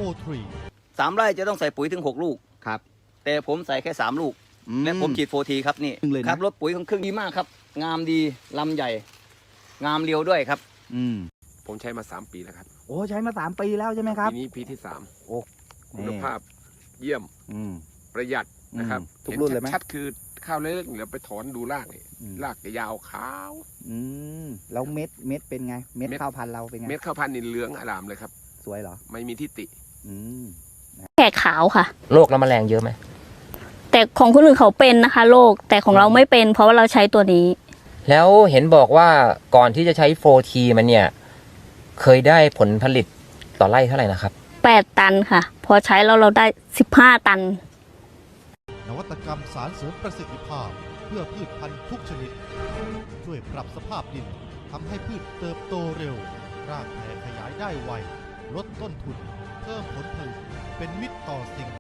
3 ไร่จะต้องใส่ปุ๋ยถึง6 ลูกครับแต่ผมใส่แค่3 ลูกและผมฉีด4 ทีครับนี่ครับรถปุ๋ยของเครื่องดีมากครับงามดีลำใหญ่งามเรียวด้วยครับผมใช้มา3 ปีแล้วครับโอ้ใช้มา3 ปีแล้วใช่ไหมครับปีนี้ปีที่3 โอ้คุณภาพเยี่ยมประหยัดนะครับทุกรุ่นเลยไหมชัดคือข้าวเล็กๆเดี๋ยวไปถอนดูรากนี่รากจะยาวขาวแล้วเม็ดเป็นไงเม็ดข้าวพันธุ์เราเป็นไงเม็ดข้าวพันธุ์นี่เหลืองอร่ามเลยครับสวยเหรอไม่มีทิฏฐิแขกขาวค่ะโรคและแมลงเยอะไหมแต่ของคนอื่นเขาเป็นนะคะโรคแต่ของเราไม่เป็นเพราะว่าเราใช้ตัวนี้แล้วเห็นบอกว่าก่อนที่จะใช้ 4T มันเนี่ยเคยได้ผลผลิตต่อไร่เท่าไหร่นะครับ 8 ตันค่ะพอใช้แล้วเราได้15 ตันนวัตกรรมสารเสริมประสิทธิภาพเพื่อพืชพันธุ์ทุกชนิดช่วยปรับสภาพดินทำให้พืชเติบโตเร็วรากแผ่ขยายได้ไวลดต้นทุนเพิ่มผลผลิตเป็นมิตรต่อสิ่ง